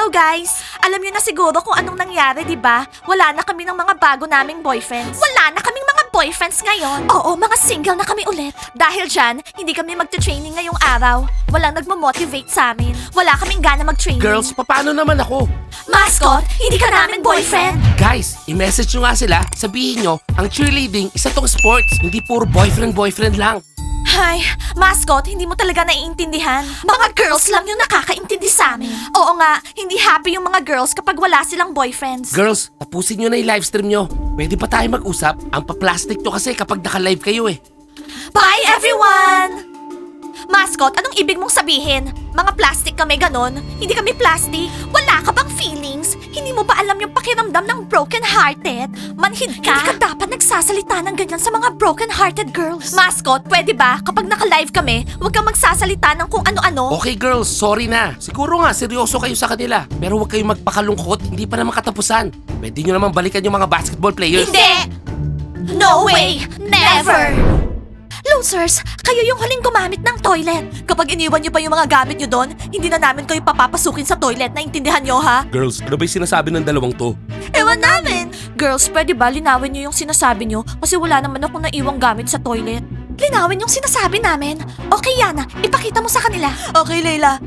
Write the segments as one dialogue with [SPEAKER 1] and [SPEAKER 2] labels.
[SPEAKER 1] Hello guys! Alam niyo na siguro kung anong nangyari, di ba? Wala na kami ng mga bago naming boyfriends. Wala na kaming mga boyfriends ngayon. Oo, mga single na kami ulit. Dahil dyan, hindi kami magte-training ngayong araw. Walang nagmo-motivate sa amin. Wala kaming gana mag-training.
[SPEAKER 2] Girls, paano naman ako?
[SPEAKER 1] Mascot, hindi ka namin boyfriend.
[SPEAKER 2] Guys, i-message nyo nga sila. Sabihin nyo, ang cheerleading, isa tong sports. Hindi puro boyfriend lang.
[SPEAKER 1] Ay, Mascot, hindi mo talaga naiintindihan. Mga girls lang yung nakakaintindi sa amin. Oo nga, hindi happy yung mga girls kapag wala silang boyfriends.
[SPEAKER 2] Girls, tapusin nyo na yung livestream nyo. Pwede pa tayo mag-usap? Ang pa-plastic to kasi kapag naka-live kayo eh.
[SPEAKER 1] Bye everyone! Mascot, anong ibig mong sabihin? Mga plastic kami ganon? Hindi kami plastic? Wala ka bang feelings? Hindi mo ba alam yung pakiramdam ng broken-hearted? Manhid ka? Hindi ka dapat nagsasalita ng ganyan sa mga broken-hearted girls. Mascot, pwede ba? Kapag naka-live kami, huwag kang magsasalita ng kung ano-ano.
[SPEAKER 2] Okay girls, sorry na. Siguro nga, seryoso kayo sa kanila. Pero huwag kayong magpakalungkot, hindi pa naman katapusan. Pwede nyo naman balikan yung mga basketball players.
[SPEAKER 1] Hindi! No way! Never! Losers, kayo yung huling gumamit ng toilet. Kapag iniwan niyo pa yung mga gamit niyo doon, hindi na namin kayo papapasukin sa toilet. Naintindihan niyo, ha?
[SPEAKER 2] Girls, ano ba yung sinasabi ng dalawang to?
[SPEAKER 1] Ewan namin! Girls, pwede ba linawin niyo yung sinasabi niyo? Kasi wala naman akong naiwang gamit sa toilet. Linawin yung sinasabi namin. Okay, Yana, ipakita mo sa kanila. Okay, Leila.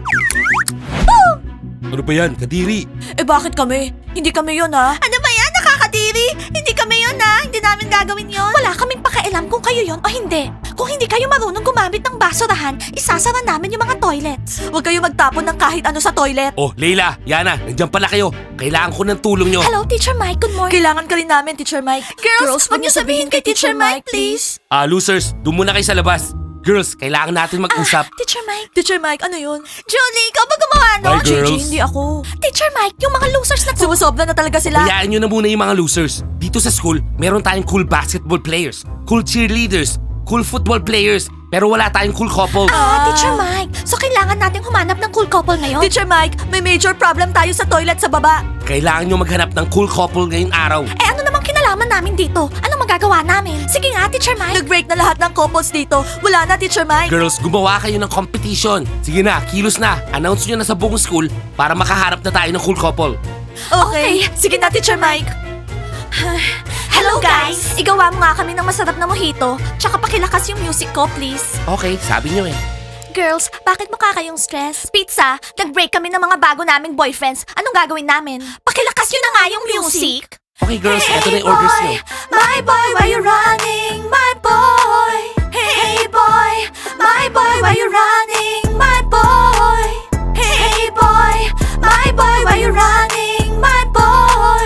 [SPEAKER 2] Ano ba yan? Kadiri?
[SPEAKER 1] Eh bakit kami? Hindi kami yun, ha? Ano ba yan? Nakakadiri? Hindi kami yun, ha? Hindi namin gagawin yun. Wala kaming pakialam kung kayo yun o hindi. Kung hindi kayo marunong gumamit ng basurahan, isasara namin yung mga toilets. Huwag kayo magtapon ng kahit ano sa toilet.
[SPEAKER 2] Oh, Leila, Yana, nandiyan pala kayo. Kailangan ko ng tulong nyo.
[SPEAKER 1] Hello, Teacher Mike. Good morning. Kailangan ka rin namin, Teacher Mike. Girls, huwag niyo sabihin kay Teacher Mike, please.
[SPEAKER 2] Losers, doon muna kayo sa labas. Girls, kailangan natin mag-usap.
[SPEAKER 1] Teacher Mike. Teacher Mike, ano yun? Julie, ikaw ba gumawa nun?
[SPEAKER 2] Bye, girls.
[SPEAKER 1] Gigi, hindi ako. Teacher Mike, yung mga losers na to. Sumusobra na talaga sila.
[SPEAKER 2] Hayaan nyo na muna yung mga losers. Dito sa school, meron tayong cool basketball players, cool cheerleaders, cool football players, pero wala tayong cool couple.
[SPEAKER 1] Teacher Mike, so kailangan nating humanap ng cool couple ngayon? Teacher Mike, may major problem tayo sa toilet sa baba.
[SPEAKER 2] Kailangan nyo maghanap ng cool couple ngayong araw.
[SPEAKER 1] Eh ano namang kinalaman namin dito? Anong magagawa namin? Sige nga, Teacher Mike. Nag-break na lahat ng couples dito. Wala na, Teacher Mike.
[SPEAKER 2] Girls, gumawa kayo ng competition. Sige na, kilos na. Announce nyo na sa buong school para makaharap na tayo ng cool couple.
[SPEAKER 1] Okay, sige na, Teacher Mike. Hello guys! Igawa mo nga kami ng masarap na mojito, tsaka pakilakas yung music ko, please.
[SPEAKER 2] Okay, sabi nyo eh.
[SPEAKER 1] Girls, bakit mukha kayong stress? Pizza, nag-break kami ng mga bago naming boyfriends. Anong gagawin namin? Pakilakas yun na nga yung music!
[SPEAKER 2] Okay girls, eto na yung orders nyo.
[SPEAKER 1] My boy, why you running? My boy! Hey boy! My boy, why you running? My boy! Hey boy! My boy, why you running? My boy!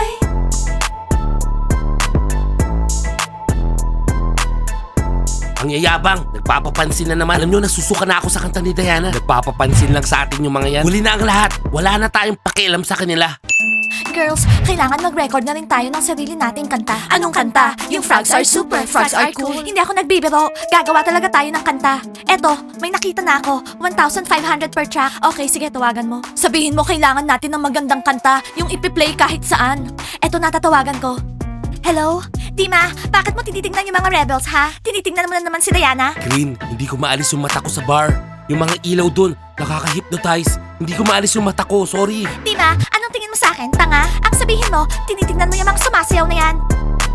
[SPEAKER 2] Ang yayabang, nagpapapansin na naman. Alam nyo, nasusuka na ako sa kanta ni Diana. Nagpapapansin lang sa atin yung mga yan. Huli na ang lahat. Wala na tayong pakialam sa kanila.
[SPEAKER 1] Girls, kailangan mag-record na rin tayo ng sarili nating kanta. Anong kanta? Yung Frogs Are Super, Frogs Are Cool. Hindi ako nagbibiro. Gagawa talaga tayo ng kanta. Eto, may nakita na ako. 1,500 per track. Okay, sige, tawagan mo. Sabihin mo kailangan natin ng magandang kanta. Yung ipi-play kahit saan. Eto, natatawagan ko. Hello? Dima, bakit mo tinitingnan yung mga rebels, ha? Tinitingnan mo na naman si Diana?
[SPEAKER 2] Green, hindi ko maalis yung mata ko sa bar. Yung mga ilaw dun, nakaka-hypnotize. Hindi ko maalis yung mata ko, sorry.
[SPEAKER 1] Dima, anong tingin mo sa akin? Tanga? Ang sabihin mo, tinitingnan mo yung mga sumasayaw na yan.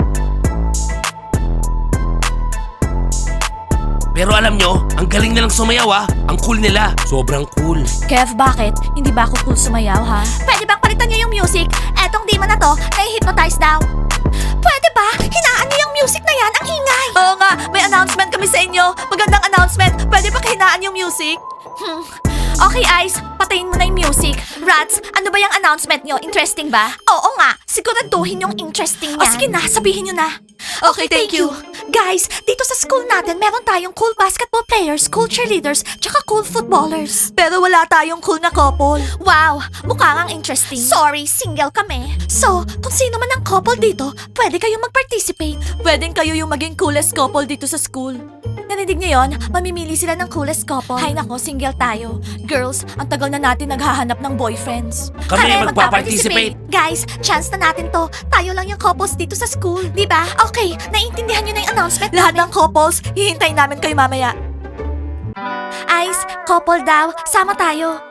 [SPEAKER 2] Pero alam nyo, ang galing nilang sumayaw ah. Ang cool nila. Sobrang cool.
[SPEAKER 1] Kev, bakit? Hindi ba ako cool sumayaw, ha? Pwede bang palitan niyo yung music? Etong Dima na to, nai-hypnotize daw. Pwede ba? Hinaan niyo yung music na yan, ang ingay! Oo nga, may announcement kami sa inyo. Magandang announcement. Pwede ba hinaan yung music? Okay, Ice, patayin mo na yung music. Rats, ano ba yung announcement niyo? Interesting ba? Oo nga, siguraduhin yung interesting yan. O sige na, sabihin niyo na. Okay, thank you. Guys, dito sa school natin, meron tayong cool basketball players, cool cheerleaders, tsaka cool footballers. Pero wala tayong cool na couple. Wow, mukha ngang interesting. Sorry, single kami. So, kung sino man ang couple dito, pwede kayong mag-participate. Pwedeng kayo yung maging coolest couple dito sa school. Narinig niyo yon? Mamimili sila ng coolest couple. Hay nako, single tayo. Girls, ang tagal na natin naghahanap ng boyfriends.
[SPEAKER 2] Kami magpa-participate.
[SPEAKER 1] Guys, chance na natin to. Tayo lang yung couples dito sa school, di ba? Okay, naiintindihan niyo na yung announcement lahat ng couples, hihintayin namin kayo mamaya. Ice, couple daw, sama tayo.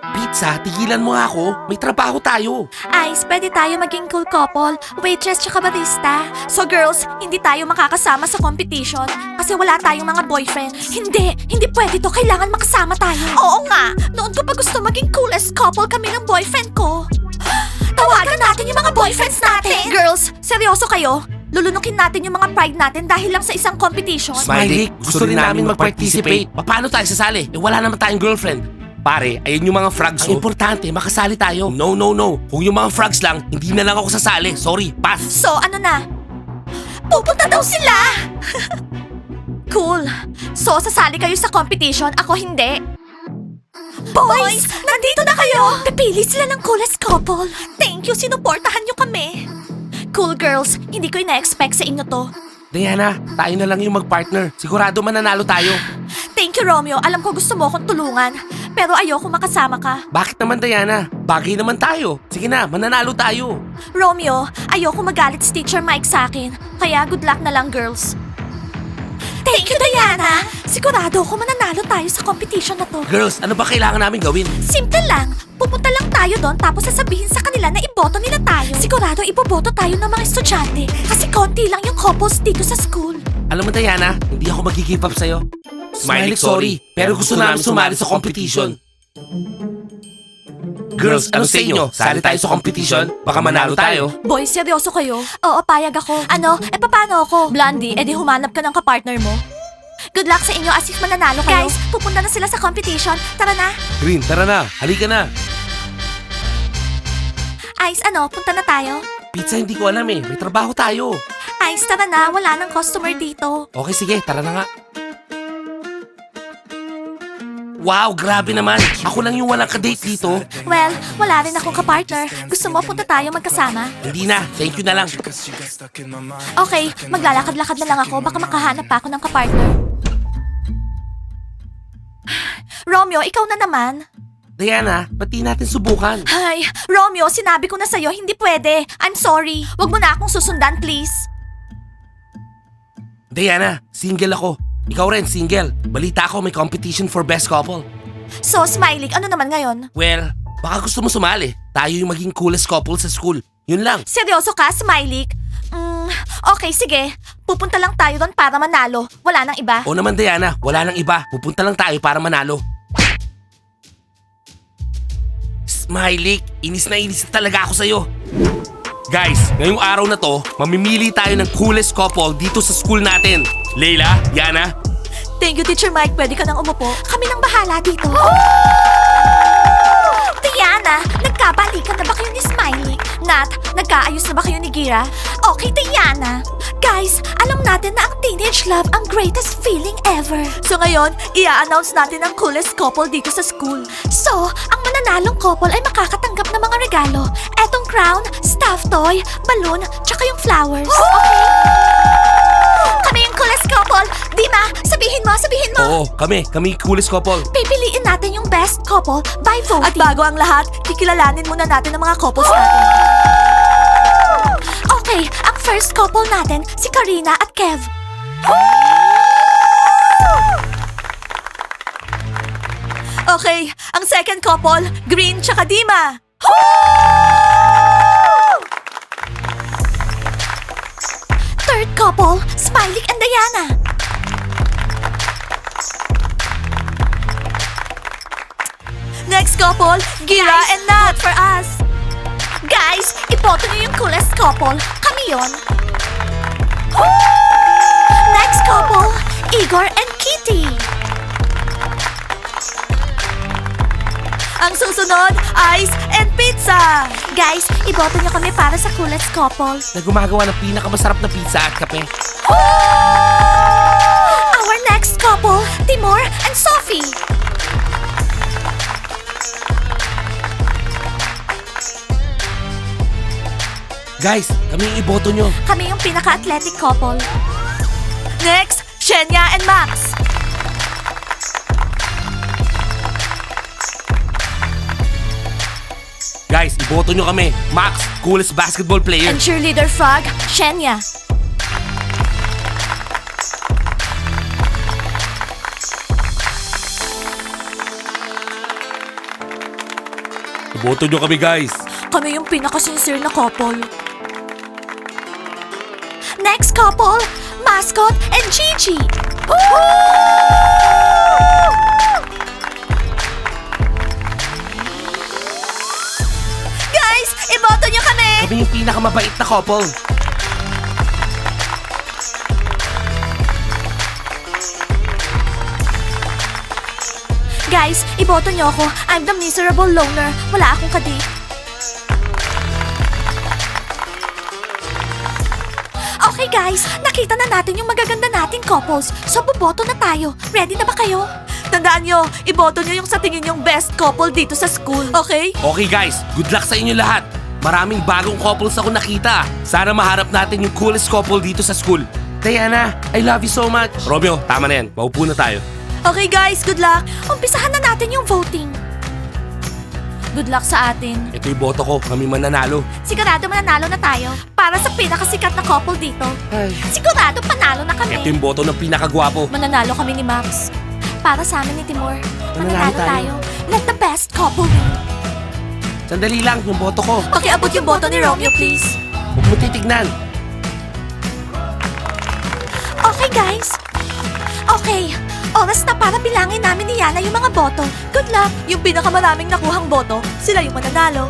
[SPEAKER 2] Pizza, tigilan mo nga ako. May trabaho tayo.
[SPEAKER 1] Ice, pwede tayo maging cool couple, waitress tsaka barista. So girls, hindi tayo makakasama sa competition kasi wala tayong mga boyfriend. Hindi pwede to. Kailangan makasama tayo. Oo nga, noon ko pa gusto maging coolest couple kami ng boyfriend ko. Tawagan natin yung mga boyfriends natin. Girls, seryoso kayo? Lulunukin natin yung mga pride natin dahil lang sa isang competition.
[SPEAKER 2] Smiley, gusto rin namin mag-participate. Paano tayo sasali? Wala naman tayong girlfriend. Pare, ayun yung mga frogs. Ang importante, makasali tayo. No. Kung yung mga frogs lang, hindi na lang ako sasali. Sorry, pass.
[SPEAKER 1] So, ano na? Pupunta daw sila! Cool. So, sasali kayo sa competition, ako hindi. Boys, nandito na kayo! Pipili sila ng coolest couple. Thank you, sinuportahan nyo kami. Cool girls, hindi ko ina-expect sa inyo to.
[SPEAKER 2] Diana, tayo na lang yung mag-partner. Sigurado mananalo tayo.
[SPEAKER 1] Thank you, Romeo. Alam ko gusto mo akong tulungan. Pero ayoko makasama ka.
[SPEAKER 2] Bakit naman, Diana? Bagay naman tayo. Sige na, mananalo tayo.
[SPEAKER 1] Romeo, ayoko magalit si Teacher Mike sa akin. Kaya good luck na lang, girls. Thank you, Diana! Sigurado ako mananalo tayo sa competition na to.
[SPEAKER 2] Girls, ano ba kailangan namin gawin?
[SPEAKER 1] Simple lang. Pupunta lang tayo doon tapos sasabihin sa kanila na iboto nila tayo. Sigurado iboboto tayo ng mga estudyante kasi konti lang yung couples dito sa school.
[SPEAKER 2] Alam mo, Diana, hindi ako mag-give up sa'yo. Smiley, sorry. Pero gusto namin sumali sa competition. Girls, ano sa inyo? Sali tayo sa competition? Baka manalo tayo.
[SPEAKER 1] Boys, seryoso kayo? Oo, payag ako. Ano? Paano ako? Blondie, edi humanap ka ng kapartner mo. Good luck sa inyo as if mananalo kayo. Guys, pupunta na sila sa competition. Tara na.
[SPEAKER 2] Green, tara na. Halika na.
[SPEAKER 1] Ice, punta na tayo?
[SPEAKER 2] Pizza, hindi ko alam eh. May trabaho tayo.
[SPEAKER 1] Ice, tara na. Wala nang customer dito.
[SPEAKER 2] Okay, sige. Tara na nga. Wow, grabe naman. Ako lang yung walang kadate dito.
[SPEAKER 1] Well, wala rin akong kapartner. Gusto mo punta tayo magkasama?
[SPEAKER 2] Hindi na. Thank you na lang.
[SPEAKER 1] Okay, maglalakad-lakad na lang ako. Baka makahanap pa ako ng kapartner. Romeo, ikaw na naman.
[SPEAKER 2] Diana, ba't di natin subukan?
[SPEAKER 1] Ay, Romeo, sinabi ko na sa'yo, hindi pwede. I'm sorry. Wag mo na akong susundan, please.
[SPEAKER 2] Diana, single ako. Ikaw rin, single. Balita ko may competition for best couple.
[SPEAKER 1] So, Smiley, ano naman ngayon?
[SPEAKER 2] Well, baka gusto mo sumali. Tayo yung maging coolest couple sa school. Yun lang.
[SPEAKER 1] Seryoso ka, Smiley? Okay, sige. Pupunta lang tayo doon para manalo. Wala nang iba.
[SPEAKER 2] O naman, Diana, wala nang iba. Pupunta lang tayo para manalo. Smiley, inis na talaga ako sa'yo. Guys, ngayong araw na to, mamimili tayo ng coolest couple dito sa school natin. Leila, Yana.
[SPEAKER 1] Thank you, Teacher Mike. Pwede ka nang umupo. Kami nang bahala dito. Diana, nagkabalikan na ba kayo ni Smiley? Nat, nagkaayos na ba kayo ni Gira? Okay, Diana. Guys, alam natin na ang teenage love ang greatest feeling ever. So ngayon, i-announce natin ang coolest couple dito sa school. So, ang mananalong couple ay makakatanggap ng mga regalo. Etong crown, stuffed toy, balloon, tsaka yung flowers. Okay? Kami yung coolest couple. Dima, sabihin mo.
[SPEAKER 2] Oo, kami yung coolest couple.
[SPEAKER 1] Pipiliin natin yung best couple by voting. At bago ang lahat, kikilalanin muna natin ang mga couples natin. Okay, ang first couple natin, si Karina at Kev. Okay, ang second couple, Green tsaka Dima. Third couple, Smiley and Diana. Next couple, Gira and Nat. For us. Guys, iboto niyo yung coolest couple. Kami yon. Next couple, Igor and Kitty. Ang susunod, Ice and Pizza. Guys, iboto niyo kami para sa coolest couple.
[SPEAKER 2] Na gumagawa ng pinakamasarap na pizza at kape.
[SPEAKER 1] Our next couple, Timur and Sophie.
[SPEAKER 2] Guys, kami yung iboto nyo.
[SPEAKER 1] Kami yung pinaka-athletic couple. Next, Shenya and Max.
[SPEAKER 2] Guys, iboto nyo kami. Max, coolest basketball player.
[SPEAKER 1] And cheerleader frog, Shenya.
[SPEAKER 2] Boto nyo kami, guys.
[SPEAKER 1] Kami yung pinaka-sincere na couple. Next couple, Mascot and Gigi. Guys, iboto nyo kami!
[SPEAKER 2] Kami yung pinakamabait na couple.
[SPEAKER 1] Guys, iboto nyo ako. I'm the miserable loner. Wala akong kadate. Okay guys, nakita na natin yung magaganda nating couples. So boboto na tayo. Ready na ba kayo? Tandaan nyo, iboto nyo yung sa tingin yung best couple dito sa school. Okay?
[SPEAKER 2] Okay guys, good luck sa inyo lahat. Maraming bagong couples ako nakita. Sana maharap natin yung coolest couple dito sa school. Diana, I love you so much. Romeo, tama na yan. Maupo na tayo.
[SPEAKER 1] Okay guys, good luck. Umpisahan na natin yung voting. Good luck sa atin.
[SPEAKER 2] Ito yung boto ko. Kami mananalo.
[SPEAKER 1] Sigurado mananalo na tayo para sa pinakasikat na couple dito.
[SPEAKER 2] Ay.
[SPEAKER 1] Sigurado panalo na kami.
[SPEAKER 2] Ito yung boto ng pinakagwapo.
[SPEAKER 1] Mananalo kami ni Max. Para sa amin ni Timur.
[SPEAKER 2] Mananalo tayo.
[SPEAKER 1] Let the best couple win.
[SPEAKER 2] Sandali lang, yung boto ko.
[SPEAKER 1] Pakiabot yung boto ni Romeo, please.
[SPEAKER 2] Huwag mo titignan.
[SPEAKER 1] Okay, guys. Okay. Oras na para bilangin namin ni Yana yung mga boto. Good luck. Yung pinakamaraming nakuhang boto, sila yung mananalo.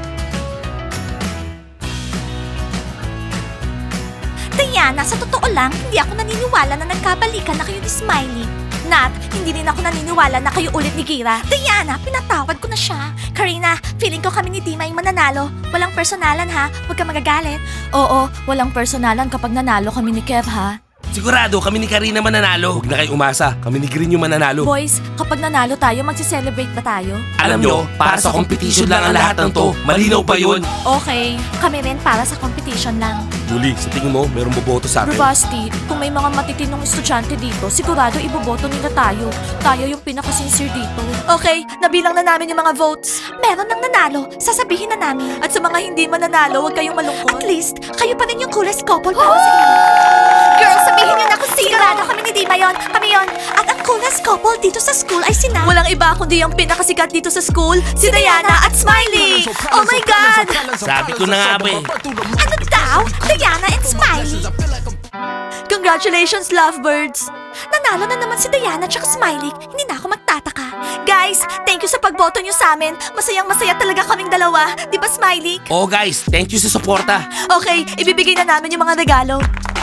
[SPEAKER 1] Diana, sa totoo lang, hindi ako naniniwala na nagkabalikan na kayo ni Smiley. Nat, hindi din ako naniniwala na kayo ulit ni Gira. Diana, pinatawad ko na siya. Karina, feeling ko kami ni Dima yung mananalo. Walang personalan ha, huwag ka magagalit. Oo, walang personalan kapag nanalo kami ni Kev ha.
[SPEAKER 2] Sigurado, kami ni Karina mananalo. Huwag na kayo umasa. Kami ni Green yung mananalo.
[SPEAKER 1] Boys, kapag nanalo tayo, magsi-celebrate ba tayo?
[SPEAKER 2] Alam nyo, para sa competition lang ang lahat ng to. Malinaw pa yun.
[SPEAKER 1] Okay, kami rin para sa competition lang.
[SPEAKER 2] Julie, sa tingin mo, merong boboto sa atin?
[SPEAKER 1] Bravasti, kung may mga matitinong estudyante dito, sigurado iboboto nila tayo. Tayo yung pinaka-sincere dito. Okay, nabilang na namin yung mga votes. Meron nang nanalo, sasabihin na namin. At sa mga hindi mananalo, huwag kayong malungkot. At least, kayo pa rin yung coolest couple para sa inyo. Girls, sabihin niyo na kung sino. Sigurado kami ni Dima yon, kami yon. At ang coolest couple dito sa school ay sina. Walang iba kundi yung pinakasikat dito sa school, si Diana at Smiley. Oh my God!
[SPEAKER 2] Sabi ko na nga ba eh.
[SPEAKER 1] Ano daw? Diana and Smiley. Congratulations, lovebirds! Nanalo na naman si Diana at Smiley. Hindi na ako magtataka. Guys, thank you sa pagboto nyo sa amin. Masayang-masaya talaga kaming dalawa. Di ba, Smiley?
[SPEAKER 2] Oh guys, thank you sa suporta.
[SPEAKER 1] Okay, ibibigay na namin yung mga regalo.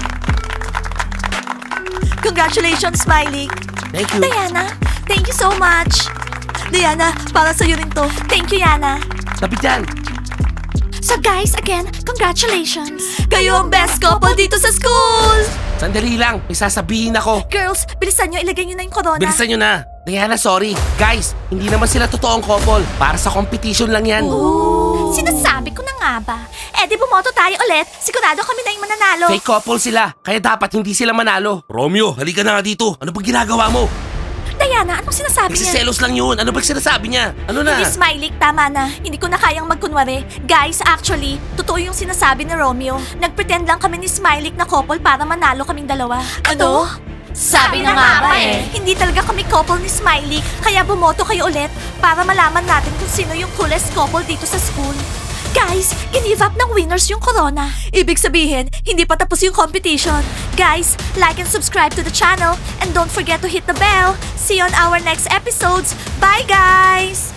[SPEAKER 1] Congratulations, Smiley.
[SPEAKER 2] Thank you.
[SPEAKER 1] Diana, thank you so much. Diana, para sa'yo rin to. Thank you, Yana.
[SPEAKER 2] Tabi dyan.
[SPEAKER 1] So guys, again, congratulations. Kayo ang best couple dito sa school!
[SPEAKER 2] Sandali lang, may sasabihin ako.
[SPEAKER 1] Girls, bilisan nyo, ilagay nyo na yung corona.
[SPEAKER 2] Bilisan nyo na. Diana, sorry. Guys, hindi naman sila totoong couple. Para sa competition lang yan.
[SPEAKER 1] Ooh. Sinasabi ko na nga ba? Eh di bumoto tayo ulit. Sigurado kami na yung mananalo.
[SPEAKER 2] Fake couple sila, kaya dapat hindi sila manalo. Romeo, halika na nga dito. Ano ba ginagawa mo?
[SPEAKER 1] Diana, anong sinasabi niya?
[SPEAKER 2] Nagsiselos lang yun. Ano ba sinasabi niya? Ano na?
[SPEAKER 1] Hindi, Smiley, tama na. Hindi ko na kayang magkunwari. Guys, actually, totoo yung sinasabi ni Romeo. Nagpretend lang kami ni Smiley na couple para manalo kaming dalawa. Ano? Sabi na nga ba eh. Hindi talaga kami couple ni Smiley, kaya bumoto kayo ulit para malaman natin kung sino yung coolest couple dito sa school. Guys, give up ng winners yung corona. Ibig sabihin, hindi pa tapos yung competition. Guys, like and subscribe to the channel and don't forget to hit the bell. See you on our next episodes. Bye guys!